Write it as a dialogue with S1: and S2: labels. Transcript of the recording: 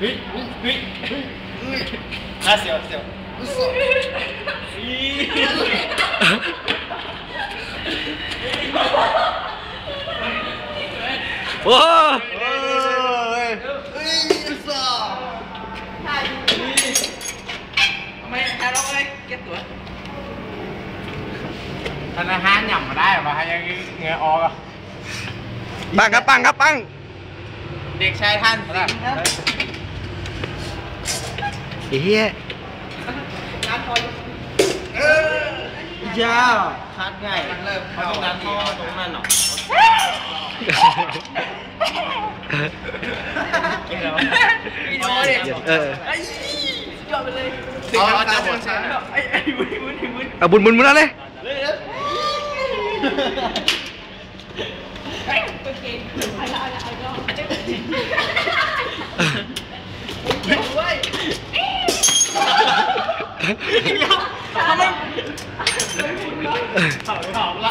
S1: เฮ้ยเสียว
S2: โอ้
S1: ธนาคารหย่ำมาได้ป่ะยังเงยออกอ่ะ
S2: ปังครับปัง
S1: เด็กชายท่านครับ
S2: เฮีย
S1: ยาคัดง่ายเขาต้องการท่อตรงนั้นหรอวิดีโอดิยอดไปเลยเอาจับหมดไอ้วุ้น
S2: เอาบุญนั่นเลย
S1: ทำไมถามละ